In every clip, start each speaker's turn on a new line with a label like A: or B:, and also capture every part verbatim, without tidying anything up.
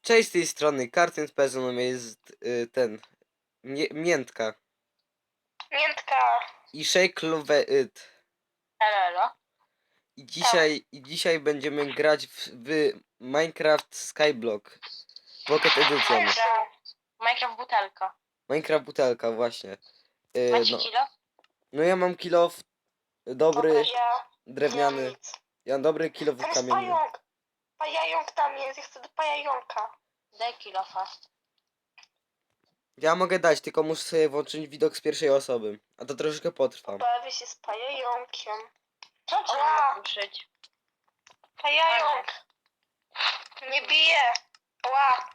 A: Cześć z tej strony, Kartyn z Pezonem jest y, ten, mie miętka
B: Miętka.
A: i Shake Love It.
B: Elo.
A: I dzisiaj, i dzisiaj będziemy grać w, w Minecraft Skyblock Pocket Edition.
B: Minecraft. Minecraft butelka.
A: Minecraft butelka właśnie. Y,
B: Macie
A: no,
B: kilo?
A: no ja mam kilof dobry,
B: Ja
A: drewniany.
B: nie mam nic.
A: Ja mam dobry kilof
B: Tam jest
A: kamienny.
B: pająk. Pająk tam jest, ja chcę do pająka. Daj kilo fast.
A: Ja mogę dać, tylko muszę sobie włączyć widok z pierwszej osoby. A to troszkę potrwa.
B: Bawię się z pająkiem. Co trzeba ruszyć? Pająk. Nie bije. Ła.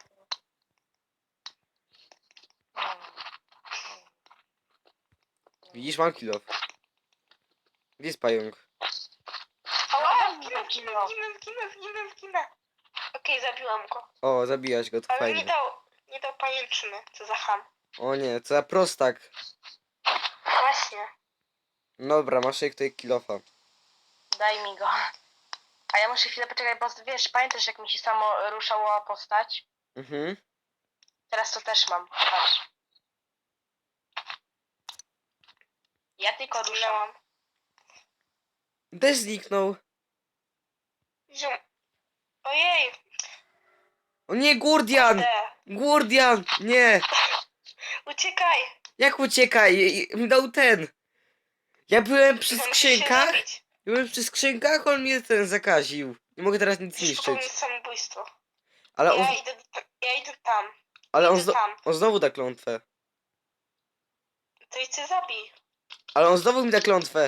A: Widzisz, mam kilof. Gdzie jest pająk?
B: Ła, zginę, zginę, zginę, zginę, zginę, zginę. Okej, zabiłam go.
A: O, zabijać go, to
B: Ale
A: fajnie.
B: nie dał, nie dał pajęczyny. Co za ham.
A: O nie, co za prostak.
B: Właśnie.
A: Dobra, masz jak tutaj kilofa.
B: Daj mi go. A ja muszę chwilę poczekać, bo wiesz, pamiętasz jak mi się samo ruszała postać?
A: Mhm.
B: Teraz to też mam. Patrz. Ja tylko ruszam.
A: Też zniknął.
B: Zium. Ojej.
A: O nie, Gurdian!
B: Te.
A: Gurdian! Nie!
B: Uciekaj.
A: Jak uciekaj? I- i- Dał ten. Ja byłem przy
B: Musisz się
A: skrzynkach.
B: zabić.
A: Byłem przy skrzynkach, on mnie ten zakaził. Nie mogę teraz nic
B: Musisz popełnić
A: niszczyć.
B: samobójstwo.
A: Ale on,
B: Ja idę, ja idę tam.
A: ale on,
B: idę
A: zno,
B: tam.
A: on znowu da klątwę.
B: To idź się zabij.
A: Ale on znowu mi da klątwę.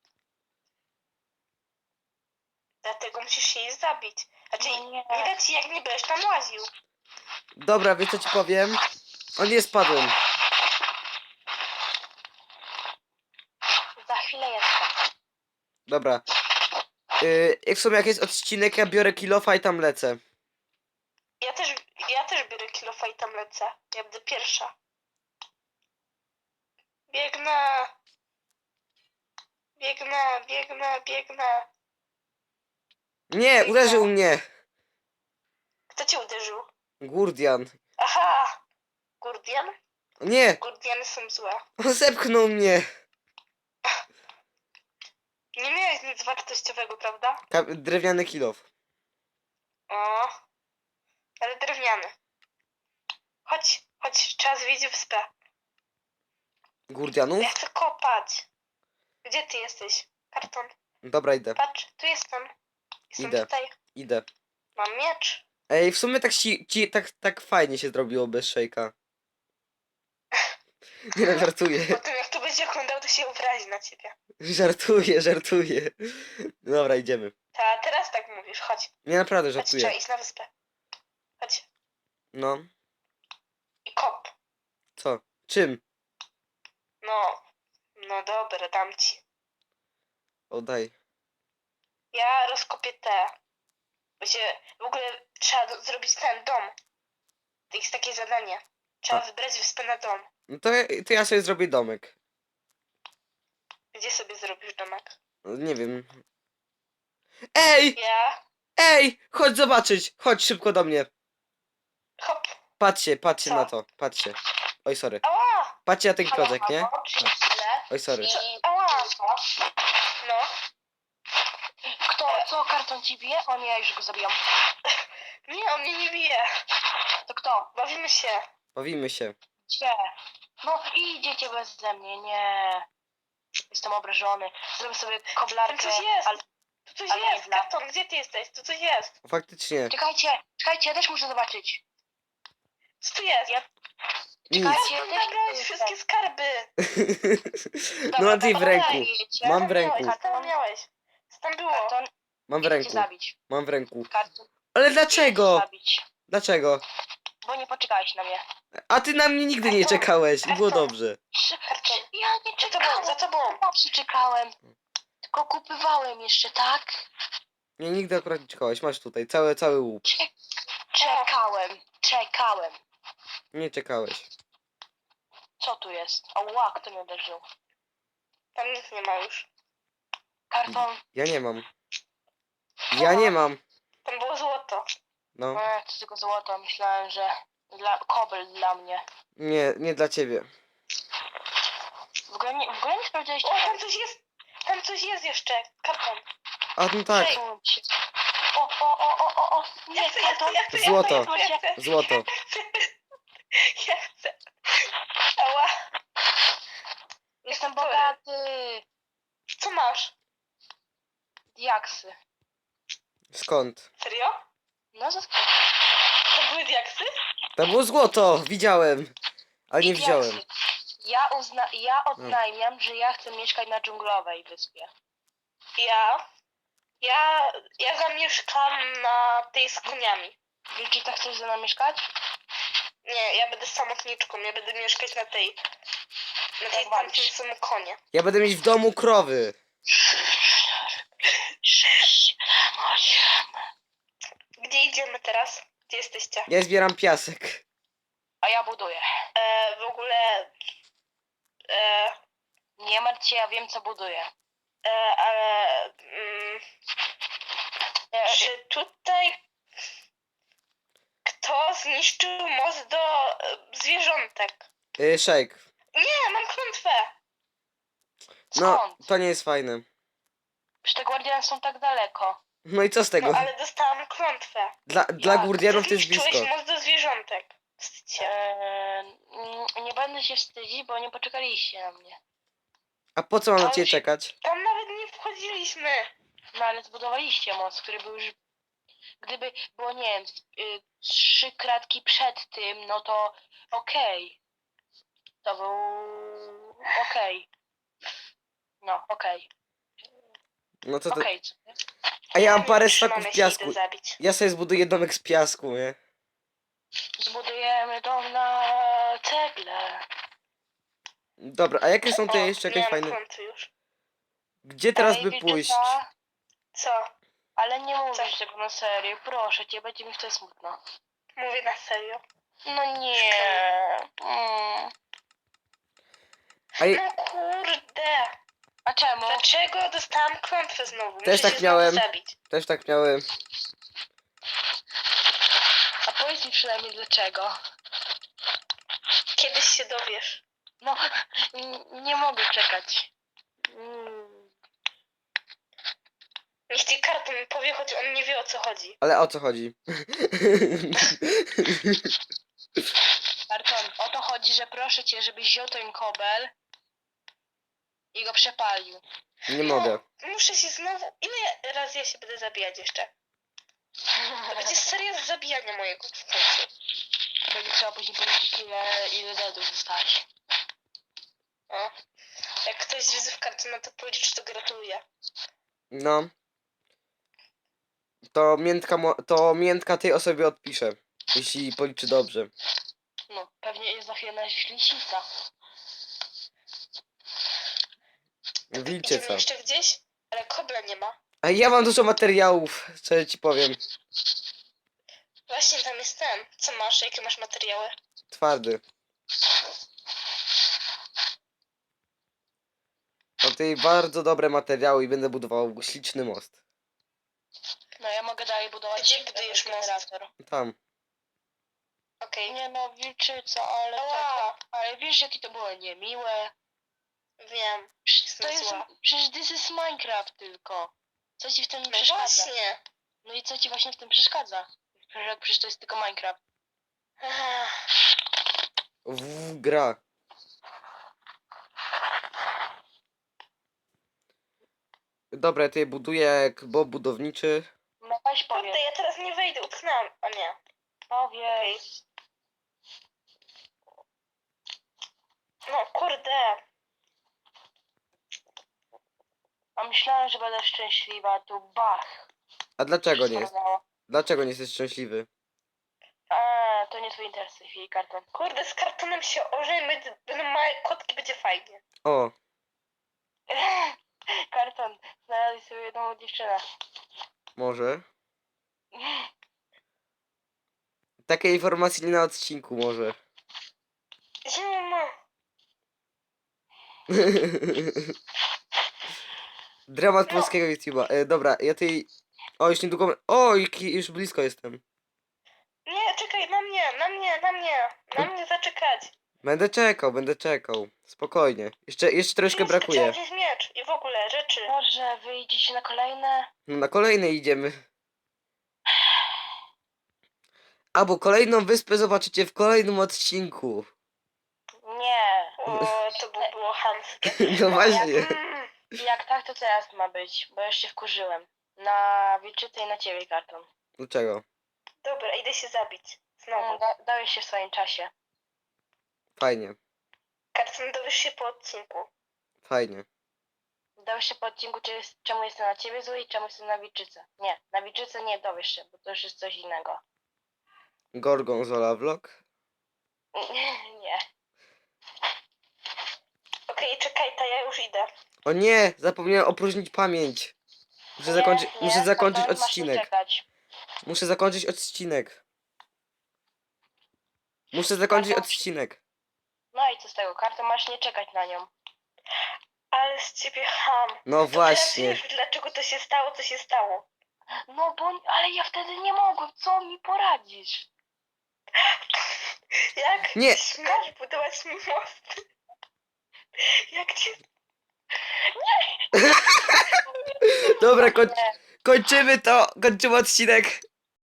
B: Dlatego musisz się jej zabić. Znaczy, nie, nie da ci jak nie będziesz tam łaził.
A: Dobra, wiesz co ci powiem? On nie spadłem.
B: Za chwilę jestem.
A: Dobra. Yy, jak w sumie jak jest odcinek, ja biorę kilofa i tam lecę.
B: Ja też, ja też biorę kilofa i tam lecę. Ja będę pierwsza. Biegnę. Biegnę, biegnę, biegnę.
A: Nie, uderzył mnie.
B: Kto cię uderzył?
A: Gurdian.
B: Aha! Gurdian?
A: Nie,
B: Gurdiany są złe.
A: on zepchnął mnie.
B: Nie miałeś nic wartościowego, prawda?
A: Ka drewniany kilof.
B: O, ale drewniany. Chodź, chodź, trzeba zwiedzić wyspę.
A: Gurdianów?
B: Ja chcę kopać. Gdzie ty jesteś? Karton.
A: Dobra, idę.
B: Patrz, tu jestem. Jestem
A: Idę.
B: tutaj.
A: Idę.
B: Mam miecz.
A: Ej, w sumie tak, ci, ci, tak, tak fajnie się zrobiło bez szejka. Nie no, żartuję.
B: Po tym jak to będzie oglądał, to się obrazi na ciebie.
A: Żartuję, żartuję. Dobra, idziemy.
B: Ta, teraz tak mówisz, chodź.
A: Nie, naprawdę
B: Chodź, trzeba
A: żartuję.
B: iść na wyspę. Chodź.
A: No,
B: I kop.
A: co? Czym?
B: No, no dobra, dam ci.
A: Oddaj.
B: Ja rozkopię te. Bo się w ogóle trzeba do, zrobić ten dom. To jest takie zadanie. Trzeba
A: A.
B: wybrać wyspę na dom.
A: No to, ja- to ja sobie zrobię domek.
B: Gdzie sobie zrobisz domek?
A: No, nie wiem. Ej!
B: Ja.
A: Ej! Chodź zobaczyć! Chodź szybko do mnie.
B: Hop.
A: Patrzcie, patrzcie
B: Co?
A: na to. Patrzcie. Oj, sorry.
B: Ała!
A: Patrzcie na ten klocek, nie? Oj, sorry.
B: Ała! No.
C: Kto, co karton ci bije? O nie, ja już go zabijam.
B: Nie, on mnie nie bije.
C: To kto?
B: Bawimy się.
A: Bawimy się.
C: Gdzie? No idziecie beze mnie, nie. Jestem obrażony. Zrobię sobie
B: Tam
C: koblarkę.
B: coś jest.
C: Ale...
B: Tu coś
C: ale
B: jest.
C: nie dla-
B: Karton, gdzie ty jesteś? Tu coś jest.
A: Faktycznie.
C: Czekajcie, czekajcie, ja też muszę zobaczyć.
B: Co tu jest?
C: Ja-
A: Nic.
C: Czekajcie,
B: Karton,
C: ja też
B: zabrałeś
C: chcę
B: wszystkie skarby.
A: No mam tutaj w ręku.
B: Gdzie
A: Mam
B: tam
A: w ręku.
B: miałeś? Co tam miałeś? Co tam było?
C: Karton,
A: Mam w
C: idę cię
A: ręku.
C: zabić.
A: Mam w ręku.
C: Karton,
A: Ale
C: idę cię
A: dlaczego?
C: zabić.
A: Dlaczego?
C: Bo nie poczekałeś na mnie.
A: A ty na mnie nigdy nie czekałeś i było dobrze.
B: Karton.
C: Ja nie
B: Za tobą,
C: czekałem.
B: za tobą.
C: Zawsze czekałem. Tylko kupywałem jeszcze, tak?
A: Nie, nigdy akurat nie czekałeś. Masz tutaj cały, cały łup.
C: Czek czekałem, czekałem.
A: Nie czekałeś.
C: Co tu jest? O, ła, kto mnie uderzył?
B: Tam nic nie ma już.
C: Karton,
A: Ja nie mam. Ja nie mam.
B: Tam było złoto.
A: No.
C: E, to tylko złoto. Myślałem, że dla kobel dla mnie.
A: Nie, nie dla ciebie.
C: W ogóle nie, w ogóle nie sprawdzałeś
B: O, tam coś jest. Tam coś jest jeszcze. Karton.
A: A no tak,
B: Ej,
C: O, o, o, o, o, o. Nie,
B: Ja chcę, ja chcę,
C: karton.
B: ja chcę, ja
A: Złoto.
B: chcę, ja chcę.
A: złoto.
B: Ja chcę. Ała.
C: Jestem
B: Który?
C: bogaty.
B: Co masz?
C: Diaksy.
A: Skąd?
B: Serio?
C: No zaskoczę.
B: To były diaksy?
A: To było złoto, widziałem. Ale nie wziąłem.
C: Ja, uzna ja oznajmiam, że ja chcę mieszkać na dżunglowej wyspie.
B: Ja. Ja. Ja zamieszkam na tej z koniami.
C: Wilczyca, chcesz ze mną mieszkać?
B: Nie, ja będę samotniczką. Ja będę mieszkać na tej. Na tej
C: Jak
B: tam
C: walisz?
B: są konie.
A: Ja będę mieć w domu krowy.
C: Sześć, osiem.
B: Gdzie idziemy teraz? Gdzie jesteście?
A: Ja zbieram piasek.
C: A ja buduję.
B: E, w ogóle. E,
C: Nie martw się, ja wiem co buduję.
B: e, ale. Mm,
C: E,
B: czy tutaj. Kto zniszczył most do e, zwierzątek?
A: Yy, Shake.
B: Nie, mam klątwę.
A: No,
C: Skąd?
A: to nie jest fajne.
C: Przecież te guardiany są tak daleko.
A: No i co z tego?
B: No ale dostałam klątwę.
A: Dla, dla
C: Jak?
A: Gurdianów to jest
B: Zniszczyłeś
A: blisko.
B: most do zwierzątek. Wstydź się.
C: E, mm, nie będę się wstydzić, bo nie poczekaliście na mnie.
A: A po co mam na
B: Ale
A: ciebie
B: się-
A: czekać?
B: Tam nawet nie wchodziliśmy.
C: No ale zbudowaliście most, który był już... Gdyby było, nie wiem, z- y, trzy kratki przed tym, no to okej. To był... okej. No, okej.
A: No to to...
C: Okej. co nie?
A: A ja mam parę
B: Trzymamy
A: staków
B: się,
A: piasku.
B: idę zabić.
A: Ja sobie zbuduję domek z piasku, nie?
C: Zbudujemy dom na cegle.
A: Dobra, a jakie są te
B: O,
A: jeszcze jakieś
B: miałam
A: fajne...
B: klątwy już.
A: Gdzie teraz
C: Ej,
A: by
C: Wilczyca,
A: pójść?
B: Co?
C: ale nie mówisz
B: Co?
C: tego na serio, proszę cię, będzie mi wtedy smutno.
B: Mówię na serio.
C: No nie. Mm.
A: A je...
B: No kurde.
C: A czemu?
B: Dlaczego dostałam klątwę znowu?
A: Też
B: Muszę
A: tak
B: się
A: miałem.
B: Znowu zabić.
A: Też tak miałem.
C: A powiedz mi przynajmniej dlaczego.
B: Kiedyś się dowiesz.
C: No, n- nie mogę czekać. Mm.
B: Niech ci karton powie, choć on nie wie o co chodzi.
A: Ale o co chodzi?
C: Karton, o to chodzi, że proszę cię, żebyś wziął ten kobel i go przepalił.
A: Nie mogę.
B: Muszę się znowu... Ile razy ja się będę zabijać jeszcze? To będzie seria z zabijania mojego w końcu.
C: Będzie trzeba później policzyć ile, ile deadów zostałeś.
B: O. Jak ktoś z widzów kartona to policzy, to gratuluję.
A: No. To miętka, mo- to miętka tej osobie odpiszę. Jeśli policzy dobrze.
C: No, pewnie jest za chwilę na lisica.
A: Wilcie
B: Idziemy
A: co?
B: jeszcze gdzieś? Ale kobla nie ma.
A: A ja mam dużo materiałów, co ja ci powiem.
B: Właśnie tam jest ten. Co masz? Jakie masz materiały?
A: Twardy. Mam tutaj bardzo dobre materiały i będę budował śliczny most.
C: No ja mogę dalej budować
B: Gdzie budujesz most?
C: generator.
A: Tam.
B: Okej.
C: Nie no, wilczyca, ale tak,
B: Ała,
C: ale wiesz jakie to było niemiłe.
B: wiem.
C: Przecież to
B: Jestem
C: jest,
B: zła.
C: przecież this is Minecraft tylko. Co ci w tym
B: No
C: przeszkadza?
B: właśnie.
C: No i co ci właśnie w tym przeszkadza? Przecież, przecież to jest tylko Minecraft.
B: Ach,
A: W gra. Dobra, ja tutaj buduję jak Bob budowniczy.
C: No weź
B: Kurde,
C: powiedz,
B: ja teraz nie wejdę, utknęłam. A nie.
C: powiedz.
B: No kurde.
C: A myślałem, że będę szczęśliwa, a tu bach.
A: A dlaczego nie jest?
C: Stanęło.
A: Dlaczego nie jesteś szczęśliwy?
C: A, to nie twój interes w tej chwili, karton.
B: Kurde, z kartonem się ożejmy, będą małe kotki, będzie fajnie.
A: O,
C: Karton, znalazłeś sobie jedną dziewczynę.
A: może. Takiej informacji nie na odcinku może.
B: Zimno.
A: Dramat
B: No.
A: polskiego YouTube'a. E, dobra, ja tej... O, już niedługo... O, jaki- już blisko jestem.
B: Nie, czekaj, na mnie, na mnie, na mnie. Na mnie zaczekać.
A: Będę czekał, będę czekał. Spokojnie. Jeszcze, jeszcze troszkę
B: Nic, Trzeba
A: brakuje.
B: wziąć miecz i w ogóle rzeczy.
C: Może wyjdziecie na kolejne?
A: No na kolejne idziemy. Albo kolejną wyspę zobaczycie w kolejnym odcinku.
C: Nie.
B: O, to by było chamskie.
A: No właśnie.
B: Mm,
C: Jak tak, to teraz ma być, bo już się wkurzyłem. Na wilczycę i na ciebie karton.
A: Dlaczego?
B: dobra, idę się zabić.
C: No,
B: Znowu.
C: da, dałeś się w swoim czasie.
A: Fajnie,
B: Karton, dowiesz się po odcinku.
A: fajnie.
C: Dałeś się po odcinku, czy jest, czemu jestem na ciebie zły i czemu jestem na wilczycę. Nie, na wilczycę nie dowiesz się, bo to już jest coś innego.
A: Gorgonzola vlog.
C: Nie.
B: Okej, czekaj, to ja już idę.
A: O nie, zapomniałem opróżnić pamięć. Muszę
C: Nie,
A: zakończyć,
C: nie,
A: muszę zakończyć
C: karton, masz tu
A: odcinek.
C: czekać.
A: Muszę zakończyć odcinek. Muszę zakończyć
C: Karton-
A: odcinek.
C: No i co z tego? Karton masz nie czekać na nią.
B: Ale z ciebie ham.
A: No
B: To teraz
A: właśnie.
B: wiesz, dlaczego to się stało, co się stało.
C: No bo, ale ja wtedy nie mogłem, co mi poradzisz?
B: Jak
A: Nie.
B: śmiesz budować mi most? Jak cię...
A: Dobra, koń,
C: Nie.
A: kończymy to. Kończymy odcinek.